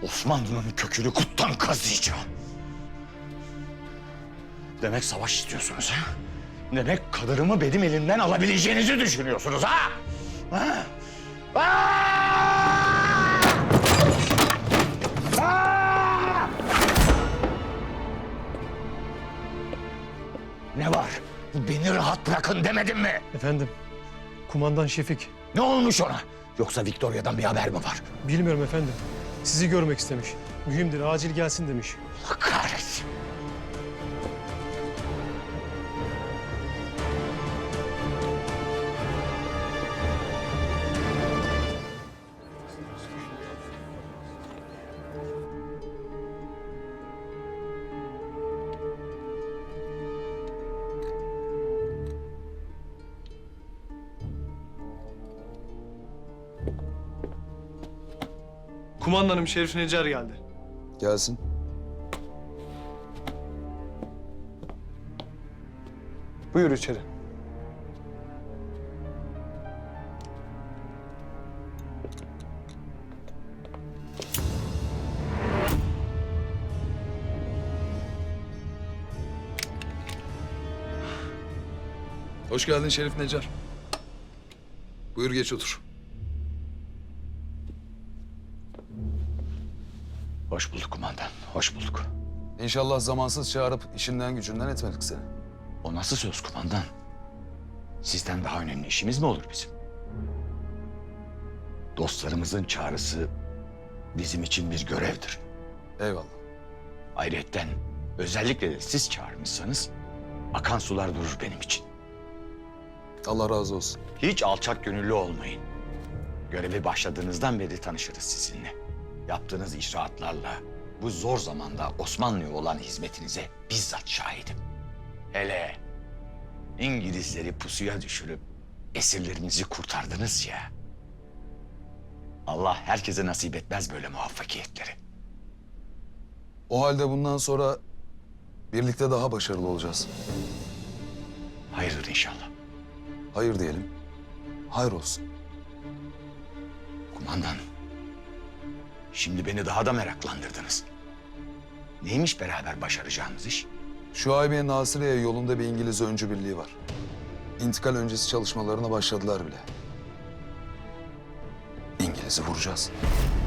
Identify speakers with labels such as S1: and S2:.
S1: Osmanlı'nın kökünü kuttan kazıyacağım. Demek savaş istiyorsunuz ha? Demek kadınımı benim elimden alabileceğinizi düşünüyorsunuz ha? Ha? Ne var? Beni rahat bırakın demedim mi?
S2: Efendim, kumandan Şefik.
S1: Ne olmuş ona? Yoksa Victoria'dan bir haber mi var?
S2: Bilmiyorum efendim. Sizi görmek istemiş. Mühimdir, acil gelsin demiş.
S1: Allah kahretsin.
S2: Kumandanım Şerif Necar geldi.
S3: Gelsin.
S2: Buyur içeri.
S3: Hoş geldin Şerif Necar. Buyur geç otur.
S1: Hoş bulduk kumandan, hoş bulduk.
S3: İnşallah zamansız çağırıp işinden gücünden etmedik seni.
S1: O nasıl söz kumandan? Sizden daha önemli işimiz mi olur bizim? Dostlarımızın çağrısı bizim için bir görevdir.
S3: Eyvallah.
S1: Ayrıyetten özellikle de siz çağırmışsanız akan sular durur benim için.
S3: Allah razı olsun.
S1: Hiç alçak gönüllü olmayın. Görevi başladığınızdan beri tanışırız sizinle. Yaptığınız icraatlarla bu zor zamanda Osmanlı'ya olan hizmetinize bizzat şahidim. Hele İngilizleri pusuya düşürüp esirlerimizi kurtardınız ya. Allah herkese nasip etmez böyle muvaffakiyetleri.
S3: O halde bundan sonra birlikte daha başarılı olacağız.
S1: Hayırdır inşallah.
S3: Hayır diyelim. Hayır olsun.
S1: Kumandan, şimdi beni daha da meraklandırdınız. Neymiş beraber başaracağımız iş?
S3: Şuaybiye Nasire'ye yolunda bir İngiliz öncü birliği var. İntikal öncesi çalışmalarına başladılar bile. İngiliz'i vuracağız.